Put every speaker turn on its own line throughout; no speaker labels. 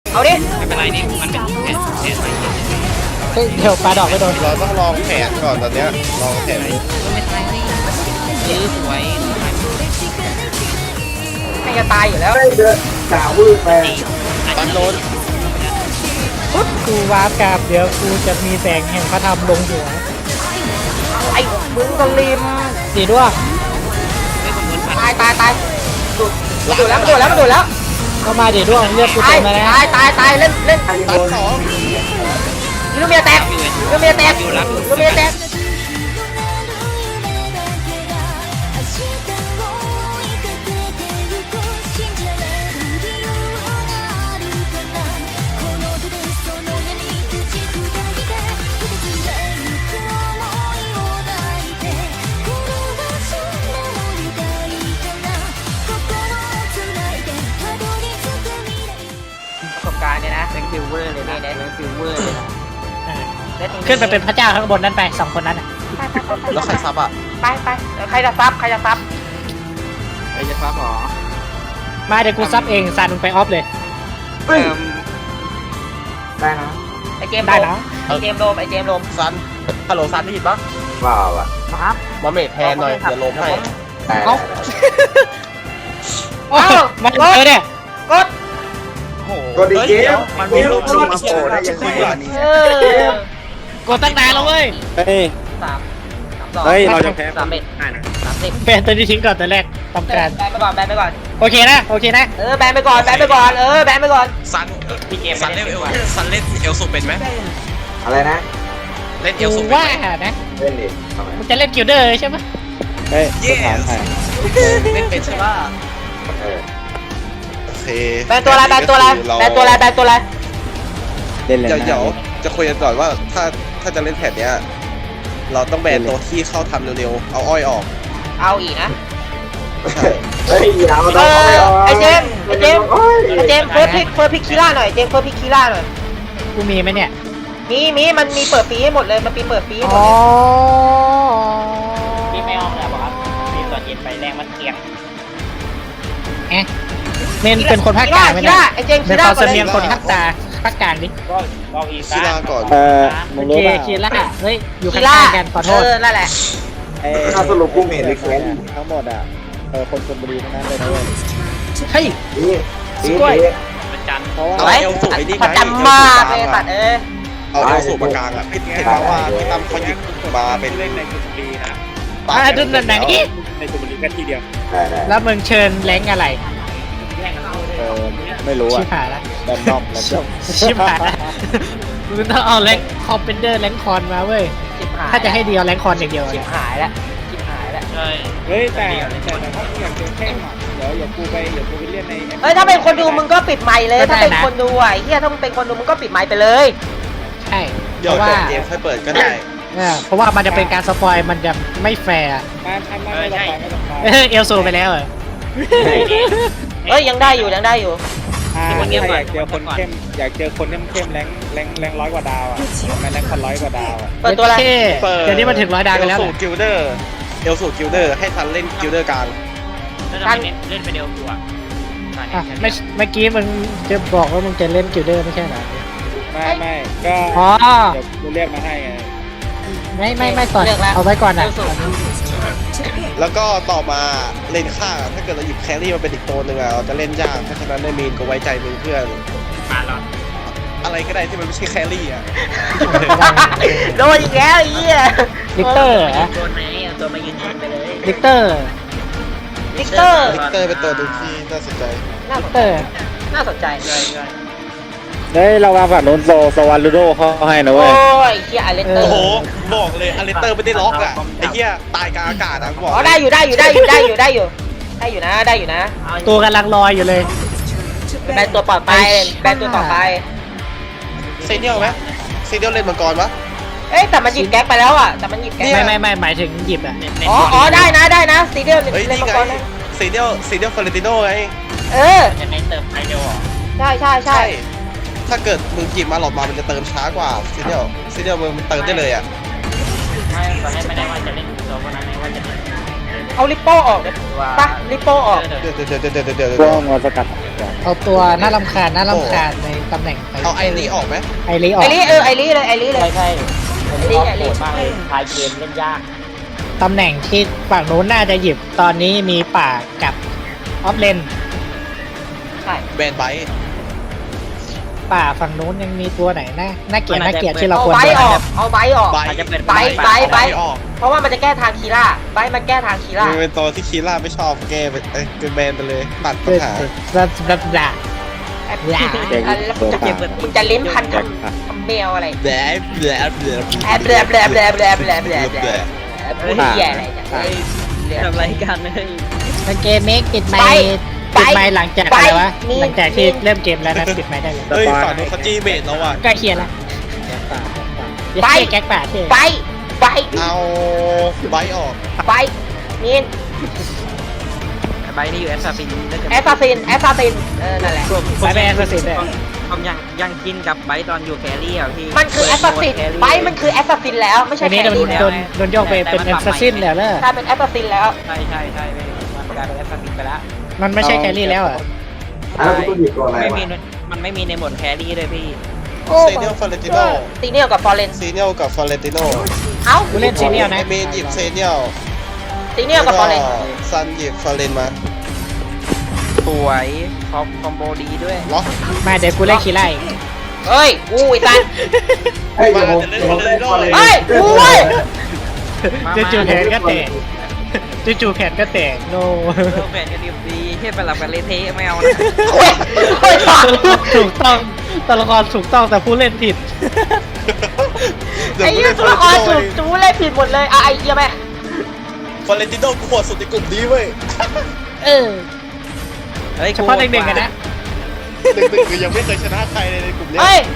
เอาดิ
ไม่เป็นไรนี่มันเป็นแผนใหม่
เฮ้ยเดี๋ยวปลาดอกไปโดน
เราต้องลองแผนก่อนตอนเนี้ยลองแผน
ก็ไม่ตายนี่ยื้อสวย
ไม่จะตายอยู่แล้ว
ตันโดน
ปุ๊บกูวาร์ปกราบเดี๋ยวกูจะมีแสงแห่งพระธรรมลงหัว
ไอ้มึงสลิม
ดีด้วย
ไม่คนโดนฟัน
ตายดูดแล้วมันดูดแล้ว
ก็มาดีด้วยเลือดกู
ตา
เต็
ย
มแล้วนะ
ตายเล่น
ตันสอง
ลูเมียแตกลูเมียแตก ประสบการณ์เนี่ยนะเป็นฟิวเวอร์เลยนะเป็นฟิวเวอร์เลยนะ
ขึ้นไปเป็นพระเจ้าข้างบนนั้นไป2คนนั้นอ่ะ
แล้วใครซับอ่ะ
ไปใครจะซับ
ไอ้จะฟ้าหรอ
มาเดี๋ยวกูซับเองซานมึงไปออฟเลย
ไอเจม
ได้นะ
โดม
ซันฮัลโหลซันได้ยินปะ
ครับ
มาเมทแทนหน่อยเดี๋ยวลมให้
เอ้าโอ้มันเจอเนี่ย
กด
ก็ดีเกมมันมีรูปมาโผล่ได้ยังไงวะนี่
กดตั้งนานแล้วเว้ย
เฮ้ยเราจะแพ้3-1
แบนตัวนี้ทิ้งก่อนตัวแรกต้องการ
แบนไปก่อน
โอเคนะ
แบนไปก่อนแบนไปก่อน
ซันซันเล่นเอลสูเป็นไหม
อะไรนะ
เล่นเอ
กู
ลสูเป็น
ว่า
ไหม
นะ
เล่นดิทำไม
มึงจะเล่นกิลเดอร์ใช่ไหม
เฮ้ย
เย้เล่นเป็นใช่ป่ะ
เออ
โอเค
แบนตัวอะไร
เล่นเลย
เดี๋ยวจะคุยกันก่อนว่าถ้าจะเล่นแผนเนี้ยเราต้องแบนตัวที่เข้าทำเร็วๆเอาอ้อยออก
เอาอีกนะ
เฮ้ยอย่ามา
ไอเจมเฟิร์สพิกคีล่าหน่อย
กูมีไหมเนี่ย
มีมันมีเปิดฟรีให้หมดเลยมันมีเปิดฟรีให้หมด
อ๋อ
เลย
พี่ไม่ออกแล้วครับพี่ตัวเย็นไปแรงมันเทียงเอ๊ะเมนเป็นคนภาคกลางไหมเนี่ย
ไอเจม
เป็นความเสนียงคนภาคกลางดิ
คีลาก่อน
มึ
โอง เค
รู้ป่ะ
คีล่าเฮ้ยอยู่ข้างๆกันขอโทษ
นั่นแหละ
ถ้าสรุปกูเห็นรีเควสทั้งหมดอ่ะคนชลบุรีทั้งนั้นเลยนะเว้ย
เฮ้ย
นี่
กล้วย
เป็นจัน
เพราะว่า
เอาเอลสูบไอ้นี่ไง
ประจำมากเลยสัตว์
เอาเอลสูบมากลางอ่ะเห็นป่าวว่าพี่ตั้มเขาหยิบมาเป็น
เล่นในชลบุรีนะ
ดูไหนนี่
ในชลบุรีแค่ทีเดียว
ได้ได้
แล้วมึงเชิญแรงอะไร
ไม่รู้
ชิ
อ่ะ
บหายละ
แบนนอกแล้วจบ
ชิบหายละมึงต้องเอาแรงคอมเป็นเดอร์แรงคอนมาเว้ยถ้าจะให้เดียวแรงคอนอย่างเดียว
ชิบหายแล้ว
ใช่
เฮ้ยแต่ถ้าอยากเจอเข้มอ่ะเดี๋ยวกูไปเล่นใน
เฮ้ยถ้าเป็นคนดูมึงก็ปิดไมค์เลยถ้าเป็นคนดูอ่ะเฮียถ้ามึงเป็นคนดูมึงก็ปิดไมค์ไปเลย
ใช่
เดี๋ยว
เพราะ
จ
ว่า
บเกมค่อยเปิดก็ได้
เพราะว่ามันจะเป็นการสปอยมันจะไม่แฟร์
ไม่ต้องไป
เอลซูไปแล้วเหรอ
เฮ้ยยังได้อยู่
อยากเจอคนเข้มอยากเจอคนเข้มแรงร้อยกว่าดาวอ่ะไม่แรงพัน100กว่าดาวอ่ะ
เปิดตัวอะไร
เดี๋ยวนี้มันถึง100 ดาวกันแล้ว
เอลสูบกิลเดอร์ให้ทันเล่นกิลเดอร์กลาง
แล้วเล่นไปเดียวตัว
เมื่อกี้มึงจะบอกว่ามึงจะเล่นกิลเดอร์ไม่ใช่เหรอ
ไม่ก็
อ๋อ
เดี๋ยวกูเรียกมาให้ไง
ไม่ต่อเอาไว้ก่อนนะ
แล้วก็ต่อมาเลนข้างถ้าเกิดเราหยิบแครี่มาเป็นอีกตัวหนึ่งอะเราจะเล่นยากเพราะฉะนั้นในมีนก็ไว้ใจมึงเพื่อน
มาหรอ
อะไรก็ได้ที่มันไม่ใช่แครี่อะ
โดนอีกแล้วไอ้เหี้ย
ลิกเตอร์
โดนไหมเอาตัวมายืนไปเลย
ลิกเตอร์
ลิกเตอร์
ลิกเตอร์เป็นตัวหนึ่งที่น่าสนใจ
น่าส
ลิ
น
กเตอร์
ใจ
เฮ้ยเราวางฝั่งโน้นโซวันลูโดเขาให้นะ
โอ้
เว้ย
ยเฮียไอเลนเตอ
โอ้
ร์
โหบอกเลยอเลสเตอร์ไม่ได้ล็อกอะไอ้เหี้ยตายกลางอากาศอะบอก
อ๋อได้อยู่นะ
ตัวกำลังลอยอยู่เลย
แบนตัวปลอดไป
เซเนียลไหมเซเนียลเล่นมังกรปะ
เอ้ยแต่มันหยิบแก๊กไปแล้วอ่ะแต่มันหยิบแก๊ก
ไม่หมายถึงหยิบอ่ะ
อ๋อได้นะซีเดียล
เฮ้ย
เล่น
นี่
มัง
ไง
กรนะ
เซเนียลฟลอเรนติโน่ไง
จะในเติมไอเดียวหรอ
ใช่
ถ้าเกิดมึงหยิบมาหลอดมามันจะเติมช้ากว่าเซเนียลมันเติมได้เลยอะ
ไม่ตอนแรกไม่ได้ว่าจะเล่นตัวคนนั้นว่าจะเล่น
เอาลิปโป้ออกเลยปะลิปโป้ออก
เดี๋ยว
พวกงอสกัด
เอาตัวน่ารำคาญในตำแหน่งไป
เอาไอ้นี้ออกไหม
ไอรีออก
ไอรีไอรีเลยไอรีเลย
ใช่
ไอรีไอรี
มากเลยทายเกมเล่นยาก
ตำแหน่งที่ฝั่งนู้นน่าจะหยิบตอนนี้มีป่ากับออฟเลน
ใช่
แบนไบท์
ป่าฝั่งนู้นยังมีตัวไหนน่าเกลียดที่เรา
เอา
ควร
ไบ
ดู
ออกเอาไบออก
ไบ
อาจจะเป็น
ไบ
ออก
เพราะว่ามันจะแก้ทางคีร่าไบมันแก้ทางคีร่า
มันเป็นตัวที่คีร่าไม่ชอบแกไปเป็นแบนไปเลยตัดปัญหา
ด่า
มึงจะลิ้นพันทำแมวอะไร
แบนแบนแบน
แอบแบลแบลแบลแบลแบลแบลแบลพูดเหี้ยอะไรเนี่ย
ทำไรกันเลย
เกมเมกปิดไม
ไป
ปิดไมหลังจากอะไรวะ
นี่
หลังจากที่เริ่มเกมแล้วนะปิดไมได้เลย
เฮ้ยฝั่งนู้นเขาจี้เบสแล้วอ่ะ
ใกล้เคียงแล้ว
ไป
แก๊กป่าเท่
ไปไป
เอาไบท์ออก
ไปนี่
ใบนี่อยู่แอสซาฟิน
แอสซาซินนั่นแหละ
ไปแบนสิเลย
ผมยังกินกับไบตอนอยู่แครี่อ่ะพี่
มันคือแอสซาซินไปมันคือแอสซาซินแล้วไม่ใช่
อันนี้
แครี่แล้ว
โดนโยกไปเป็นแอสซัสซินแล้วเนอะ
กลายเป็นแอสซาซินแล้ว
ใช่มันกลายเป็นแอสซาฟินไปแล้ว
มันไม่ใช่แครี่แล้วอ่ะ
แล้วกูต้องหยิบตัวอะไร
ไม่
วะ
มีมันไม่มีในหมวดแครี่เลยพี่
ซีเนียลฟอเรนติโน
ซีเนียลกับฟอเรน
ซีเนียลกับฟอเรนติโน
เอ้า
กูเล่นซีเนียล
ไอ
นะ
เมนหยิบซีเนียล
ซีเนียลกับฟอเรน
ซันหยิบฟอเรนมา
สวยคอมโบดีด้วย
เหรอ
มาเดี๋ยวกูเล่นคีไล่
เฮ้ยอู้ยตัน
เฮ้ยเดี๋ยวผมเล่นฟอร์เรน
เฮ้ยอู้ย
จู่ๆแขนก็แตกจู่ๆแขนก็แตกโน
แฟนกันดีเทียบไปหลับกันเละเทะไม่เอานะ
โอ้ยตัน
ถูกต้องตัวละครถูกต้องแต่ผู้เล่นผิด
ไอ้เหี้ยตัวละครถูกจูเล่นผิดหมดเลยไอ้เหี้ยแม่
ฟอเรนติโนกูโหดสุดในกลุ่มนี้เว้ย
เออเฉพาะเด็กๆกันนะ
หนึ่งคือยังไม่เคยชนะใครเลยในกลุ่มเนี้ย
เฮ้ย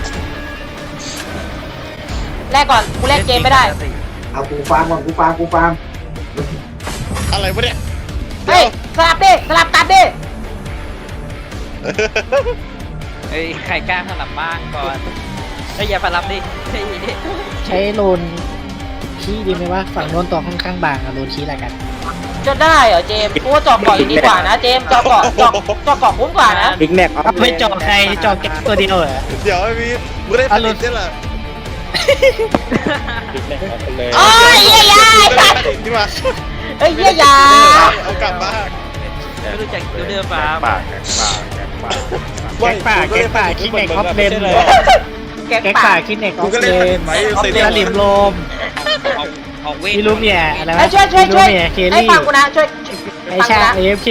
แรกก่อนกูเล่นเกมไม่ได้
เอากูฟาร์มก่อนกูฟาร์ม
อะไรวะเนี่ย
เฮ้ยสลับดิสลับกันดิ
เฮ้ยใครกล้าสลับบ้างก่อนเฮ้ยอย่าสลับดิเฮ้ย
ใช้โลนขี้ดีไหมว่าฝั่งโน้นตัวค่อนข้างบางอะโลนขี้อะไรกัน
จะได้เหรอเจมส์กูว่าเจาะเกาะดีกว่านะเจมส์เจาะเกาะคุ้มกว่านะ
บิ๊กแม็กออฟ
ไม่จอกใครจอกแก๊กตัวเดียวเหรอ
เดี๋ยวไอ้พี่มึงได้ผลิตได้เหรอ
เลย
โอ้ยเหี้ยยาย
นี่มา
เฮ้ยเหี้ยยา
เอากลับมา
ไม่รู้จักดูเดือฟ้า
แก๊กป่าคิดเน็กออฟเลนเลย
แก๊ก
แก๊ก
ป่า
ป่าคิดเน็กอ
กู
อฟ
ก็
เล
เล่นผลิ
น
ตไว้
ออฟ
เซ
เล
เนีย
นลิมโลม
ออกเวท
มีลูเมียอะไร
ไอ้
วะ
ช่วย
มีลูเมียเคล
ไอ้
ลี่
ฟังกูนะช่วย
ไอชา AFK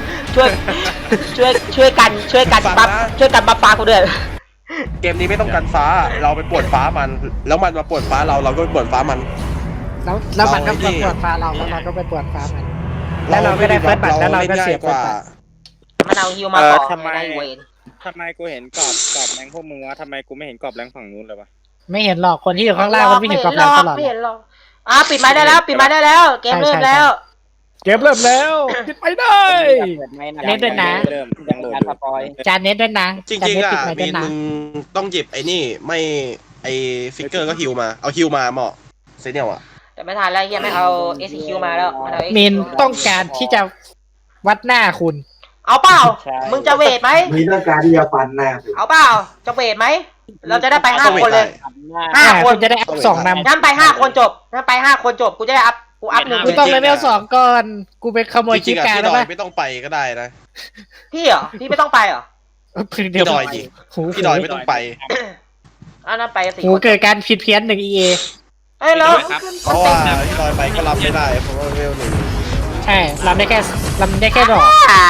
ช่วยกันบัฟฟ้ากูด้วย
เกมนี้ไม่ต้องกันฟ้า เราไปปวดฟ้ามัน แล้วมันมาปวดฟ้าเราก็ไปปวดฟ้ามัน
แล้วมันก็ไปปวดฟ้าเราแล้วเราก็ไปปวดฟ้ามัน แล้วเราก็ได้เฟิร์สบัตรแล้วเราก็เสีย
กว่า
มันเอาฮิวมาต่อ
ทำไม
เวน
ทำไมกูเห็นกรอบแรงพวกมึงวะทำไมกูไม่เห็นกรอบแรงฝั่งนู้นเลยวะ
ไม่เห็นหรอกคนที่อยู่ข้างล่างมันไม่เห็นกรอบเราตลอด
ไม่เห็นหรอกปิดไม้ได้แล้วเกมเริ่มแล้ว
เกมเริ่มแล้วปิดไปได้ เน็ตด้วยนะ
เริ่มยังโหลด
การสปอย
จานเน็ตด้วยนะ
จริง
จาน
ๆ
เน็ต
อ่ะ
ปิดไปด้
มี
วย
น
นะ
มึงต้องหยิบไอ้นี่ไม่ไอ้ฟิกเกอร์ก็ฮิวมา เอาฮิวมาเหมาะเซเนียลอ่ะ
แต่ไม่ทันแล้วเฮียไม่เอา SQ มาแล้วมันเอา SQ
มีนต้องการที่จะวัดหน้าคุณ
เอาเปล่ามึงจะเวทไหม
มีต้องการที่จะฟันหน้ากู
เอาเปล่าจะเวทไหมเราจะได้ไป5 คนเลย 5 คน
คุณจะได้อัพ2นำ
งั้นไป5 คนจบกูจะได้อัพกูอัพ1
กูต้องเลเวล2ก่อนกูไปขโมย
จริ
คิ
ง
ป
ๆอ่ะ
การ
พี่
แล้
ด
ว
อย
ปะ
ไม่ต้องไปก็ได้นะ
พี่เหรอพี่ไม่ต้องไปเหรอ
พึ่งเดียว
พี่ดอยดิ
หู
พี่ดอยไม่ต้องไป
อันนั้นไป4
หู
คน
เกิดการผิดเพี้ยน1 EA
เอ้ยแล้ว
เพราะว่าพี่ดอยไปก็รับไม่ได้เพราะว่าเวลหนึ่ง
ใช่ลำได้แค่ดอก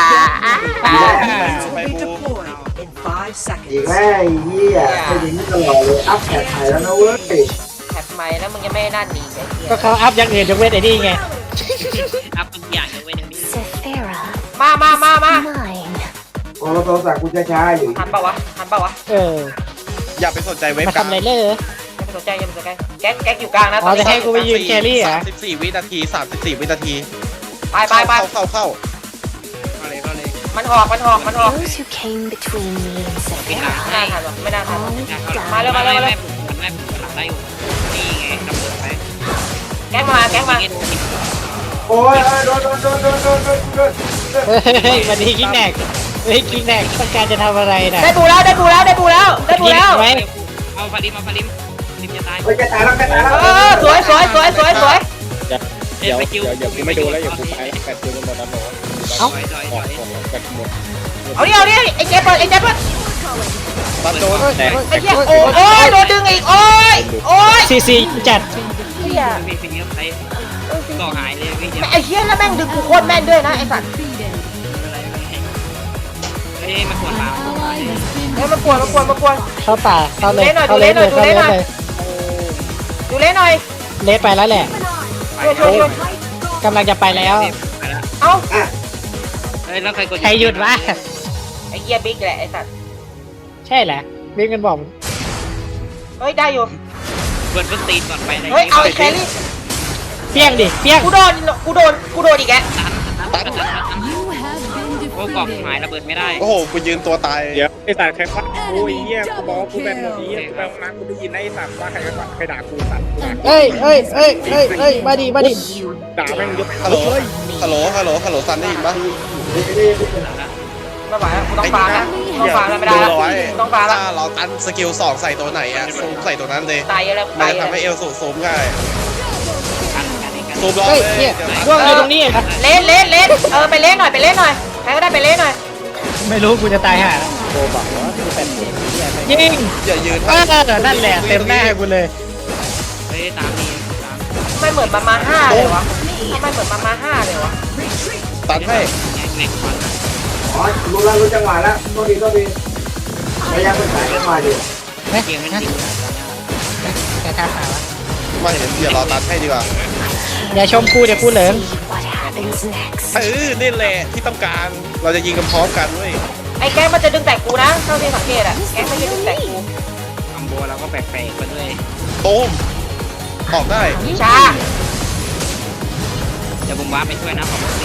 ไปบู
อีกแม่ไอ้เหี้ยเป็นอย่างนี้ตลอดเลยอัพแพทใหม่แล้วนะเว้ย
แถบใหม่แล้วมึงยังไม่นั่นอีกไอ้เหี้ย
ก็เขาอัพอย่างอื่นยกเว้นไอ้นี่ไง
อัพทุกอย่างยกเว้นอย่างนี้
มา
พอเราโทรศัพท์กูช้าๆอยู่
ทันปะวะ
เออ
อย่าไปสนใจเว็บ
มา
กัน
ทำอะไรเลย
อย่าไปสนใจแก๊กอยู่กลางนะ
อ๋อจะให้กูไปยืนแครี่เหรอ
34 วินาที 34 วินาที
ไป
เข้า
มันออก
Those who came between me and
ไม่น่า
Sephira
ทัน
all
มา
died.
เร็ว
มันแม่หลังได้อยู่นี่ไงกำเนิดไป
แก๊กมา
นี่
โอ้ยโดน
เฮ้ยวันนี้กิ๊กแนกเฮ้ยกิ๊กแนกต้องการจะทำอะไรน่ะ
ได้ปูแล้วได้ปูแล้วได้ปูแล้วได้ปูแล้ว
ไว้
เอาฟาริมจะตาย
เฮ้ยแกตายแล้ว
สวย
เดี๋ยวกูไม่ดูแล้วเดี๋ยวกูไปแปดคิวหมดแล้วหนู
ถอย
ออกของแปดหมด
เอาดิไอ้เจ๊เปิด
ตัดโดน
แต่
ไอ้เหี้ยโอ้ยโดนดึงอีกโอ้ย
ซีจัด
เหี้ย
พี่ฟินก็ไปก็หายเลยพี่เดี๋ยว
ไอ้เหี้ยแล้วแม่งดึงกูโคตรแม่นด้วยนะไอ้สัตว์
เฮ้ยมันปวดเปล่า
เฮ้ยมากวน
เข้าป่าเข้าเลย
ดูเล่นหน่อย
เข้าเล
ดูเล่นหน่อย
เลสไปแล้วแหละ
ช่วย
กำลังจะไปแล้ว
เอ้า
เฮ้ยแล้วใครกด
ใครหยุดวะ
ไอ้เหี้ยบิ๊กแหละไอ้สัตว์
ใช่แหละวิ่งกันบอก
เฮ้ยได้อยู่
เปิดตีนก่อนไป
เฮ้ยเอาไอ้แครี่
เปี้ยงดิเปี้ยง
กูโดนอีกแก
โอ้กล่องหายระเบิดไม่ได้
โอ้โหกูยืนตัวตาย
เดี๋ยวไอ้สัตว์ใครฟัดกูไอ้เหี้ยกูบอกว่ากูเป็นหมดไอ้เหี้ยกูไปห้องน้ำกูได้ยินไอ้สัตว์ว่าใครไปฟัดใครด่ากูสัตว์กูด่า
เอ้ยมาดิ
ด่าแม่งยก
ฮัลโหลฮัลโหลซันได้ยินปะ
ไม่ไหวแล้วกูต้องฟาแล้วไม่ได้
ดู
แล้ว
เอาไว้
ต้องฟาแล้ว
ถ้าเราตันสกิล2ใส่ตัวไหนอะซูมใส่ตัวนั้นเลย
ตายแล้ว
มัน
ตาย
จะ
แล้ว
ทำให้เอลสูซูมง่ายซูมรอ
เฮ้ย
เลย
เนี่ย
เดี๋ยว
ร่วงเลยตรงนี้นะ
เล่นไปเล่นหน่อยใครก็ได้ไปเล่นหน่อย
ไม่รู้กูจะตายห่า
โกบอกว่ากูเป็นเด็กเหี้ยไม่
ยิง
อย่ายืน
นั่นแหละเต็มหน้ากูเลย
เฮ้ยตามนี่ตาม
ไม่เหมือนมาห้าเลยวะทำไมเหมือนมาห้าเลยวะ
ตันให้
เล็กมัน
อ๋อรู้จังหวะแล้วโทษดีพยายามไปถ่ายกันมาดิ
เกมมันจริง
แกทำหาวะ
มาเห็นเดี๋ยวรอตันให้ดีกว่า
อย่าชมกูเดี๋ยวกูเหลิง
What happens next?
นี่แหละที่ต้องการ เราจะยิงกันพร้อมกันเว้ย
ไอ้แก๊งมันจะดึงแต่กูนะเท่าที่สังเกตอะแก๊งมันจะดึงแต่กู
คอมโบเราก็แปลกๆไปด้วย
ตูมออกได้
ช้า
เดี๋ยวผมว้าไปช่วยนะขอบคุณ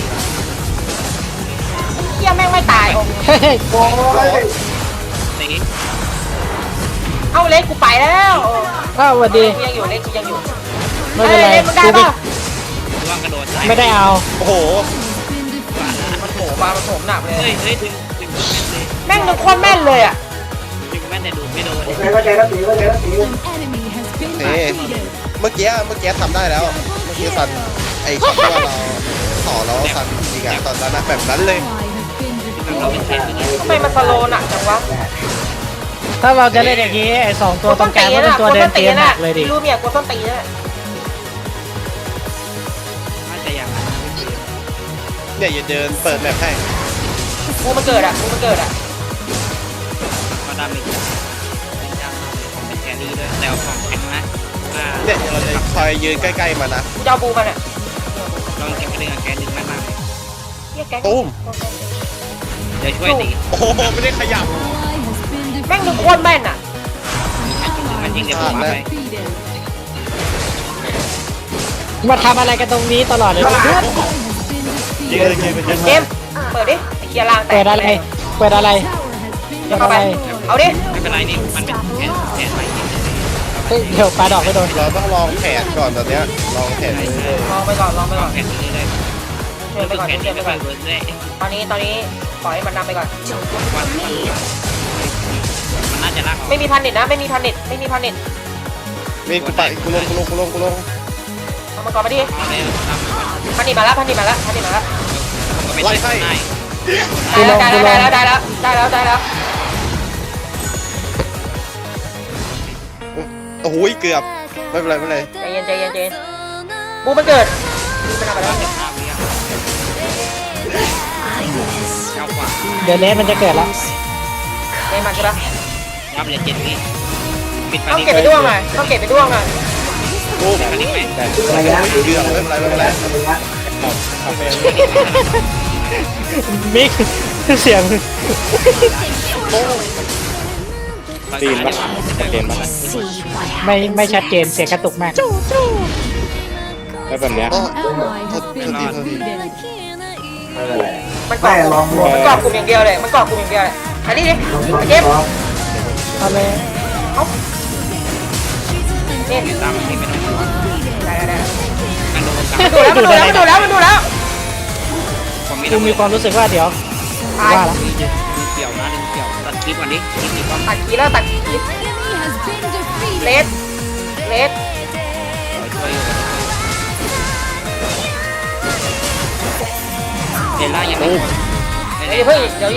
เหี้ยแม่งไม่ตาย
เฮ้ย
โอ้ย
ตี
เอาเล็กกูไปแล้ว
อ้าวสวัสดี
กูยังอยู่เล็กกูยังอยู่
ไม่เป็นไร
เล็กมึงได้
กู
ป่ะ
ร่วงกระโดด
ไม่ได้เอา
โอ้โห
มันโผล่มามันโผล่หนักเลย
เฮ้ยดึง
แม่งนึกโคตรแม่นเลยอะ
แม่แต่ดูไม่โดน
เข้าใจแล้วตี
นี่เมื่อกี้ทำได้แล้ว เมื่อกี้ซันไอ้ช็อตที่ว่าเราต่อแล้วซันยิงอะตอนนั้นนะแบบนั้นเลย
เราเป็นแฟนกัน
ทำไมมันสโลว์หนักจังวะ
ถ้าเราจะเล่นอย่างนี้ไอ้สองตัวตรงกลางก็เป็นตัวเดินเกมหนักเลยดิ
รู้เมียกูต้นตีน่ะ
น่าจะอย่างนั้น
เนี่ยอย่าเดินเปิดแมปให้
กูมันเกิดอะ
ก็ดามิจเป็นจ้างผมเป็นแครี่ด้วยแต่ของแข็งนะ
เนี่ยเราจะคอยยืนใกล้ๆมันนะ
กูจะเอาบูมันอะ
ลองเก็บกระดึงแกดึงมาก
เหี้ยแก๊ง
ตูม
เดี๋ยวช่วยตี
โอ้โหไม่ได้ขยับ
แม่งนึกโคตรแม่นอะ
มันยิงเดี๋ยวผมว้าไป
มาทำอะไรกันตรงนี้ตลอดเลย
ยืนยืนเป็น
เจมส์เปิดดิไอ้เหี้ยล่างแตก
เปิดอะไรเปิดอะไร
เข้าไปเอาดิ
ไม่เป็นไรนี่มันเป็นแผนใหม่
เฮ้ยเดี๋ยวปลาดอกไม่โดน
เราต้องลองแผนก่อนตอนเนี้ยลองแผนเรื่อย
ลองไปก่อน
แผนนี้เลย
เชิญไปก่อน
แผน
เชิ
นี้
ญไป
ไม่
ก่
ค่
อ
อน ยเวิร์กเลย
ตอนนี้ปล่อยให้มันนำไปก่อน
มันน่าจะลาก
ไม่มีพันนิดนะไม่มีพันนิด
ๆนี่กูไปกูลง
เอามาก่อนมาดิ
เอาเลยทำ
พันนิดมาแล้ว
ก็ไม่ได้ง่าย
ได้แล้ว
โอ้โหเกือบไม่เป็นไร
ใจเย็นบูมันเกิดบูมันทำไปแล้ว
เก้ากว่า
เดี๋ยวเลสมันจะเกิดแล้ว
เล่นมันใช่ปะ
ยับเหลือ7 วิปิด
ต้องเก็บไปด้วงหน่อย
โอ้
อันนี้ไหม
ระยะ
เกือบไม่เป็นไร
มิกเสียง
ตีนปะเตีนปะ
See what
ไม่ชัดเจนเสียงกระตุกมาก
แล้วแบบเนี้ย
โอ้โทษที
มันเกาะกลุ่มอย่างเดียวเลยอันนี้ดิเจม
เอาเลย
นี่
ตามที่ไม่ต้อง
ได้
กันโดนกัน
มันดูแล้ว
ผมมี
กูมีความรู้สึกว่าเดี๋ยว
ตาย
ว่าละ
ดึงเกี่ยวนะดึงเกี่ยวตัดคลิปก่อนดิคลิปนี้ก่อน
ตัดคีแล้วตัดคีเลส
ช่วยเห็นล่างยังไม่หมด
อย่าเพิ่งดู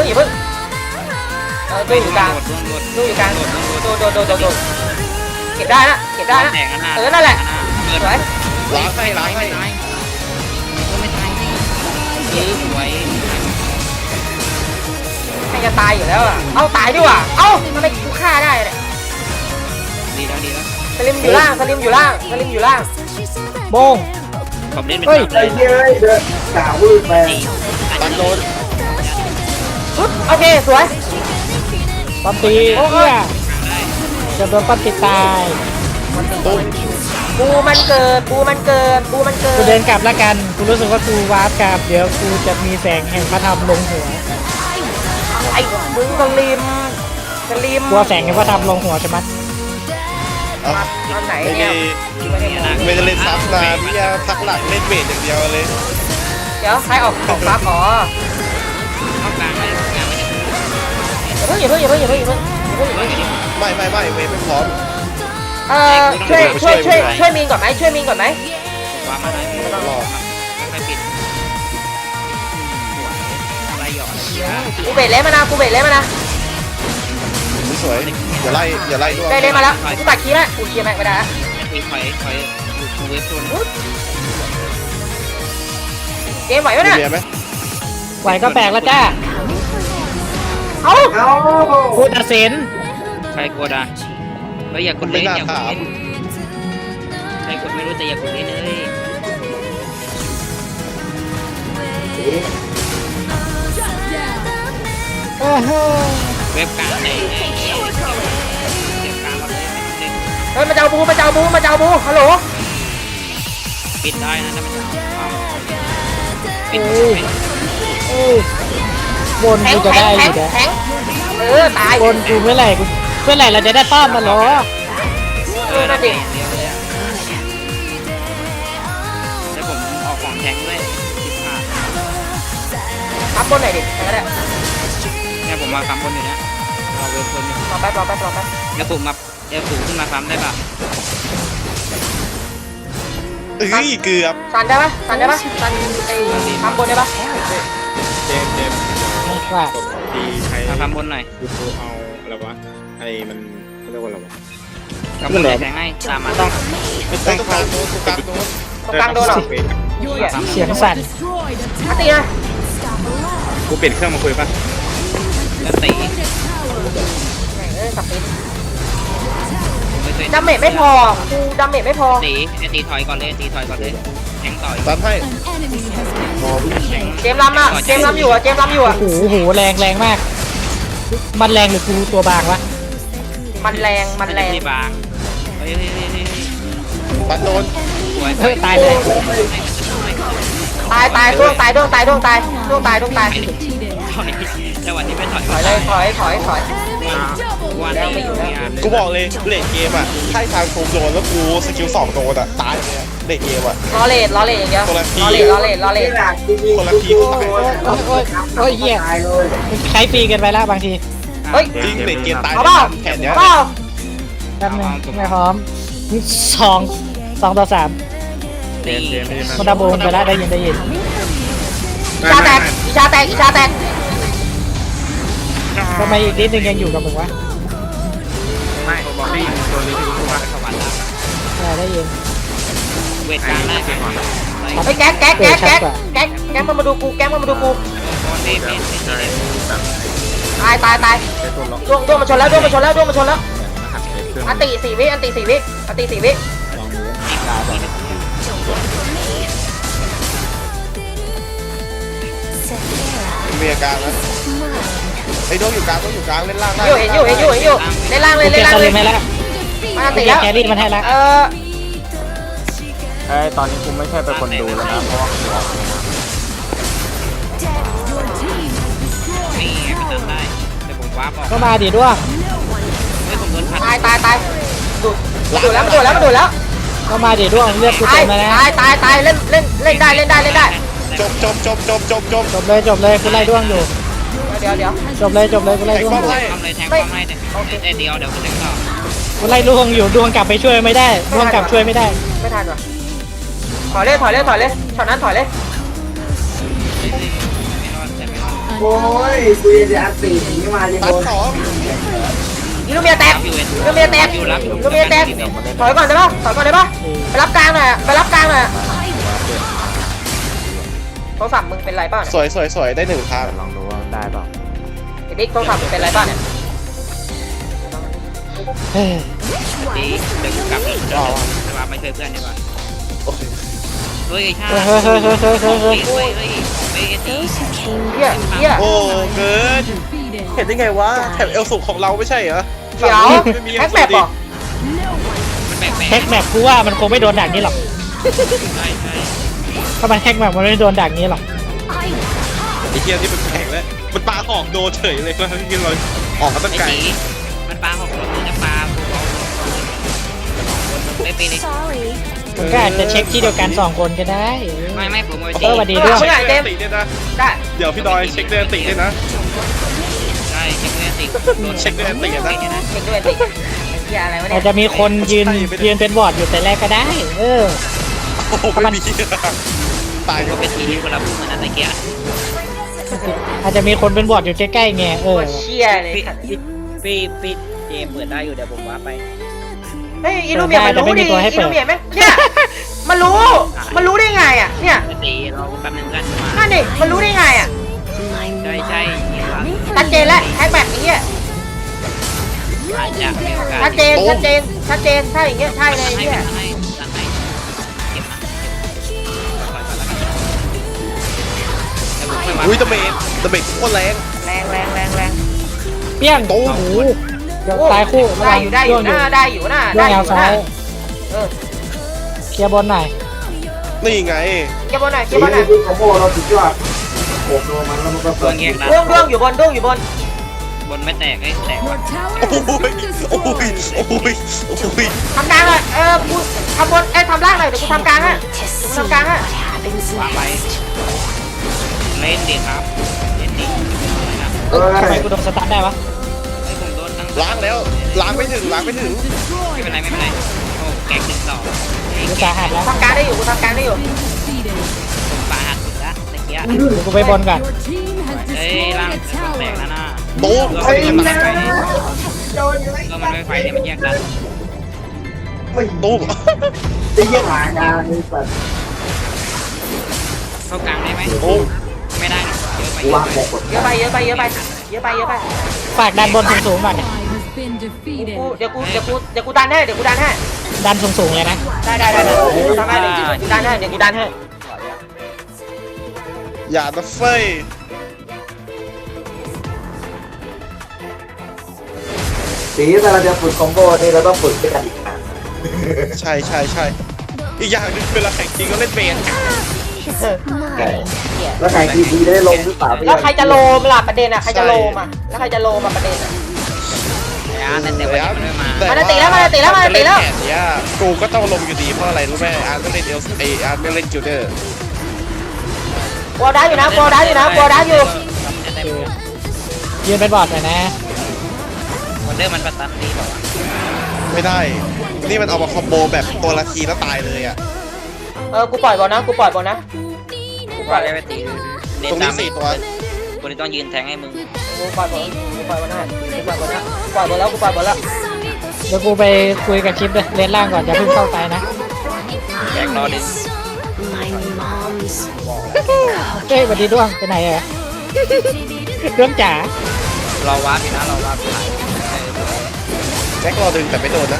อยู่กลางดูอยู่กลางโดนเก็บได้นะ
แตกกันหน้า
นั่นแหละสวย
ล้างให้ล้างให้
ไม่ตายสวย
ให้จะตายอยู่แล้วอ่ะเอาตายดีกว่าเอ้าทำไมกูฆ่าได้เนี่ย
ดีแล้ว
สลิมอยู่ล่าง
โบง
ผมเล่นเป็น
เฮ้ย
ไอ้เหี้ยเดินกล่าววืดไป
ตันโดน
ปึ๊บโอเคสวย
ปั๊มตีเพื่อจะโดนปั๊มตีตาย
ตุ้ม
บูมันเกิด
กูเดินกลับแล้วกันกูรู้สึกว่ากูวาร์ปกลับเดี๋ยวกูจะมีแสงแห่งพระธรรมลงหัว
ไอ้มึงสลิม
กลัวแสงแห่งพระธรรมลงหัวใช่ไหม
เอา
ตอนไหน
ไม่
เนี่ย
ไม่ได้เล่นซับนานเนี่ยพักหลังเล่นเวทอย่างเดียวเลย
เดี๋ยวใครออกซับอ๋อ
เข้ากลางไม่กลางไม่ได้
อย่าเพิ่ง
ไม่เวทไม่พร้อม
ช่วยมีนก่อนไหม
วางมาได้ไม่ต้องรอไม่ปิดอะไรหยอด
กูเบรดเล่มานะ
สวยอย่าไล่ด้วย
ได้เล่มาแล้วกูตัดคีย์แล้วกูเคลียร์แม็กไม่ได้
ถอยดูเวฟชน
เกมไหวไหม
มี
เนี่ย
เบียร์ไหม
ไหวก็แปลกแล้วจ้า
เอ้า
เอา
กูตัดสิน
ใครกดอ่ะแล้วอย่ากดเล่นอย่ากดเล่นใครกดไม่รู้แต่อย่ากดเล่นเลย เว็บกลางไหนเก็บกลางมาเลย
เฮ้ยมาเจ้าบูฮัลโหล
ปิดได้นะถ้ามันปิด
บนกูจะได้อยู่นะ
แข็งตาย
บนกูเมื่อไหร่เราจะได้ป้อมมาหรอ
นั่นดิ
เดียวเลยแล้วผมออกของแทงด้วย15
ทับบนหน่อยดิแข็งก็ได้
เนี่ยผมมาคำบนอยู่นะเราเว็บคนอยู่
รอแป๊บ
แล้วผมมาเดี๋ยวสูงขึ้นมาคำได้ป่ะ
เอ้ยเกือบ
สันได้ปะสันไอ้ทับบนได้ปะ
เจมส์
ว่า
ดีใช้
มาคำบนหน่อย
กูเอาอะไรวะไอ้มันเขาเรียกว่าอะไรวะ
คำบนเลยแทงให้ตามมาต้อง
ไม่ต้องกลางโน้นกลางโน้น
ตรงกลางโดนหรอ
เสียงสั่น
มาตีนะ
กูเปลี่ยนเครื่องมาคุยป่ะ
แล้วตี
สับตี
ไม่เคย
ดาเมจไม่พอกูดาเมจไม่พอ
ตีถอยก่อนเลยแทงต่อย
ตันให้
เจมล้ำอ่ะเจมล้ำอยู่อ่ะ
โอ้โหแรงมาก มันแรงหรือกูตัวบางวะ
มันแรง
ไม่บางเฮ้ย
ตันโดน
สวย
เฮ้ยตายเลย
ตายด้วงตาย
จังหวะนี้ไม่ถอย
ถอยเลยถอย
วันนี้
กูบอกเลยเลดเกมอ่ะให้ทางโคมโดนแล้วกูสกิล2โดนอ่ะตายเลยเลดเกมอ่ะ
ล้อเลดอย่างเงี้ยล้อเลด
นี่แหละจริงๆ
คนละทีก็ตาย
โอ้ยเหี้ย
ตายเลย
ใช้ฟรีกันไปแล้วบางที
เฮ้ย
จริงเลดเกมตาย
เอาเปล่า
แผนเนี้ย
เปล่า
แป๊บนึงไม่พร้อม2 ต่อ 3
ตี
มันดับเบิลไปแล้วได้ยิน
อีชาแตก
ทำไมอีกนิดนึงยังอยู่กับมึงวะ
ไม่บอกนี่ตัวนี้ที่รู้ว่า
สวรรค์แล้ว
ได้ยิน
เวทกลางได้
เฮ้ยแก๊กมาดูกูตายด้วงมาชนแล้วอันติ4 วิ
มีอาการนะไอ้โดนอยู่กลางเล่นล่างได้
เห็นอยู่เล่นล่างเลย
เก็บสลิมให้แล้ว
มันอันติ
เก็
แล้
บ
ว
แครี่มันให้แล้ว
ตอนนี้กูไม่ใช่เป็นคนดูแล้วนะเพราะว่า
นี่ไปเติมได้แต่ผมว้าบอก
ก็มาดิด้วง
ไม่ผมโดนขัด
ตายดูดแล้ว
ก็มาดิด้วงเลือดกู
ตา
เต็
ย
มแล้วนะ
ตายเล่นได้เล่นได้
จบ
จบเลยกูไล่ด้วงอยู่
เดี๋ยว
จบเลยกูไล่ด้วงอยู่
ทำเลยแทงป้อมให้แต่เดี๋ยวกูแทงต่อ
กูไล่ด้วงอยู่ด้วงกลับไปช่วยไม่ได้ด้วงกลับช่วยไม่ได้
ไม่ทันว่ะถอยเลยช็อตนั้นถอยเลย
ไม่รอดแต่ไม่รอด
โอ้ยกูจะอัดตีหนีมาจะ
ตั
โด
ด
น
สอง
ยิงลูกเมียแตก ลูกเมียแตกถอยก่อนได้ปะไปรับกลางหน่อยโทรศัพท์มึงเป็นไรบ้าง
สวยได้หนึ่งทาง
ลองดูว่าได้เปล่า
ไอ้บิ๊กโทรศัพท์มึงเป็นไรบ้างเนี่ย
เฮ้ย
ดีเดี๋ยวกูกลับอีกจะมาไม่ช่วยเพื่อนดีกว่าเฮ้ยชาเฮ้ยตี
เหี้ย
โอ้เกินเห็นได้ไงวะแถบเอลสุของเราไม่ใช่เหรอ
เดี๋ยวแฮกแมปเหรอ
มันแปลก
แฮกแมปกูว่ามันคงไม่โดนดักนี้หรอก
ใช่
ถ้ามันแฮกแมปมันไม่โดนดักนี้หรอก
ไอ้เหี้ยที่เป็นแผงแล้วมันปาหอกโดนเฉยเลยว่าที่เราออกมาตั้ง
ไอ้
ไกล
ตีมันปลาหกรถจะปลาไม่เป็นเลย
Sorry.
มันก็อาจจะเช็คที่เดียวกัน2คนก็ได้
ไม่ผมเอา
เออสวัสดีด้วย
เช็คเดนติด้วยนะ
ได้
เดี๋ยวพี่ดอยเช็คเดนติด้วยนะ
ใช่เช็คเงินติโดน
เช็คเดนตินะ
เช็คด้วยติ๊กเหี้ยอะไรวะเนี่
อาจจะมีคนยืนเป็นบอร์ดอยู่แต่แรกก็ได้ เออ
โอ้โหไม่มีตาย
ก็
ก็
เป็นทีที่คนละพูดเหมือนนั้นตะเกีย
อาจจะมีคนเป็นบอร์ดอยู่ใกล้ๆไงเอ
โค
อ
ตรเชี่ยเลย
พี่เจมเปิดได้อยู่เดี๋ยวผมว่าไป
เฮ้ยอีลูเมียมันรู้ดิอีลูเมียไหมเนี่ยมันรู้ได้ไงอ่ะเนี่ย
ตีรอแป๊บนึงกันมา
นั่นดิมันรู้ได้ไงอ่ะ
My
ใช่
mommy
ชัดเจนแล้วแฮกแบบนี้
อาจจะมีโอกาส
ชัดเจนถ้าอย่างเงี้ยใช่เลยเนี่ย
ให้เก็บนะปล่อยไปแล้วกันแล้วผมค่อยมา
อุ้ยตะเบกโคตรแรง
แรง
เปี้ยงโอ้โหเดี๋ยวตายคู่
ได้อยู่นะ
ด้วงแนวซ้าย
เออ
เคลียร์บนหน่อย
นี่ไง
เก็บบอลหน่อย
ตีนี่คือคอมโบเราสุดยอดโขกโดนมันแล้วมันก็
ตัวเงี้ยนะ
ด้วงอยู่บน
บนไม่แตกไอ้แตกว่ะ
โอ้ย
ทำกลางเลยกูทำบนทำล่างหน่อยเดี๋ยวกูทำกลางฮะ
to see
Không căng á.
what happens
วางไป
next.
เล่นดิครับเล่นดิ
เออ
ทำไมกูโดนสตาร์ทได้วะ
ไอ้ผมโดนทั้ง
ล้างแล้วล้างไม่ถึง
ไม่เป็นไรโอ้แกง1-2
กูสาหัสแล้ว
ทำกลางได้อยู่กูทำกลางได้อยู่
ผมปาหักสุดละตะเกีย
เดี๋ยวกูไปบนก่อน
เฮ้ยร่างแตกแล้วนะ
โต๊ะ
ก็
ไอ้
มัน
แม่
ไม่ไฟก็มันไม่ไฟเนี่ยมันแยกกัน
โต๊ะ
ตีเยี่ยหางานนี่สัตว์
เข้ากลางได้ไหม
โอ้
ไม่ได้นะเยอะไป
กูวางแผนกด
เยอะไป
ฝากดันบนสูงๆก่อนเนี่ย
เดี๋ยวกูดันให้
ดันสูงๆเลยนะ
ได้ทำให้เดี๋ยวกูดันให้
อย่านะเฟย
ตีแต่เราจะฝึกคอมโบนี่เราต้องฝึกด้วยกันอีกนะ
ใช่อีกอย่างหนึงเวลาแข่งจริงก็เล่นเบน
แล้วแข่งทีได้ลงหรือเปล่า
แล้วใครจะโลมล่ะประเด็นอ่ะใครจะโลมอ่ะแล้วใครจะโลมอ่ะประเด็นอ่ะ
แต่วันนี้มันไม่มา
มันตีแล้ว
เนี่ยกูก็ต้องลงอยู่ดีเพราะอะไรรู้ไหมอาร์ตไม่เล่นอาร์ตไม่เล่นจูเดอร์
กลัวได้อยู่
ยืนเป็นบอร์ดหน่อยนะ
วันเดอร์มันประตันดีบอกว่า
ไม่ได้ นี่มันเอามาคอมโบแบบตัวละทีแล้วตายเลยอ่ะ
กูปล่อยบอลนะ
ว่าได้ไปตีเล่น
ตรง
ตา
นี้
ม
4 ตัว
คนนี้ต้องยืนแทงให้มึง
กูปล่อยบอลแล้ว
เดี๋ยวกูไปคุยกับชิปเลยเลนล่างก่อนอย่าเพิ่งเข้าไปนะ
แจกรอดิ
My mom's
เฮ้ยสวัสดีด้วงไปไหนอะด้วงจ๋า
เราวาร์ปอยู่นะเราวาร์ปถ่าย
แจ็ครอดึงแต่ไม่โดนนะ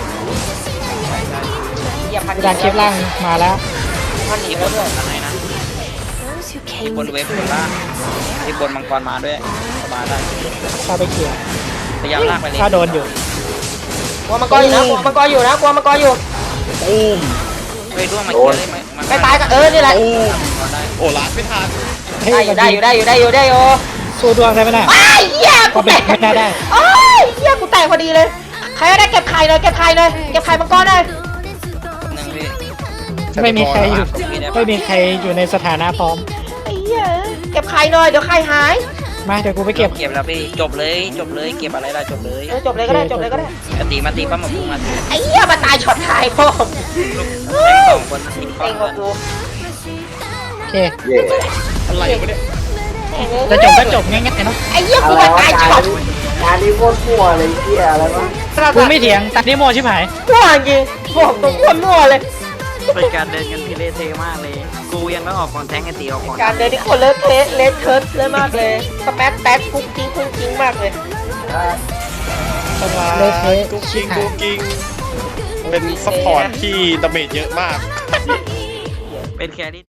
กูดันชิปล่างมาแล้ว
พันหนีแล้วด้วย
อะไรนะ
those who
ที่
came
บนเวฟบนล่างที่บนมังกรมาด้วยมาได้
เข้าไปเขี่ย
พยายามลากไปเลย
ถ้าโดนอยู่
กลัวมังกรอยู่
ตูม
ไปร่วงมาเกี่ยวเลย
ไม่ตายกันนี่แหละ
ตูมโอ้ล้างไม่ทัน
เฮ้ย
ได้อยู่
สู้ด้วงได้ไหมน่ะ
ไอ้เหี้ยกูแตก
ไม่น่าได้
โอ้ยเหี้ยกูแตกพอดีเลยใครได้เก็บไข่หน่อยเก็บไข่มังกรหน่อย
นึงพี่
ไม่มีใครอยู่ไม่มีใครอยู่ในสถานะพร้อม
ไอ้เหี้ยเก็บไข่หน่อยเดี๋ยวไข่หาย
มาเดี๋ยวกูไปเก็บ
เก็บแล้วพี่จบเลยเก็บอะไรล่ะจบเลย
จบเลยก็ได้จบเลยก็ได้
มาตีปั๊มมาพุ่งมา
ไอ้เหี้ยมาตายช็อตท้ายพ่อ
สองคนตี
เต็งกว่ากู
โอเค
เย่
อะไรวะเนี่ย
จะจบก็จบง่ายๆเนาะ
ไอ้เหี้ย
อะ
กู
ไร
มาว
ะ
ตาย
กา
ช็อ
ร
ต
การนี้โคตรมั่วเลยเหี้ยอะไรวะ
กูไม่เถียงตัดนิโมชิบหาย
มั่วจริงบอกตรงมั่วเลย
เป็นการเดินกันที่เละเทะมากเลย กูยังต้องออกก่อนแทงไอ้ตีออกก่อน
การเดินที่คนเลอะเทะเลอะเทอะเลยมากเลยสแป๊ดแป๊ดกุ๊กกิ้งกุ๊กกิ้งมากเลย
เลยเทะ
กุ๊ก
ชิ
กิ้
บ
ง
หาย
กุ๊กกิ้งเป็นซัพพอร์ตที่ดาเมจเยอะมาก
เป็นแครี่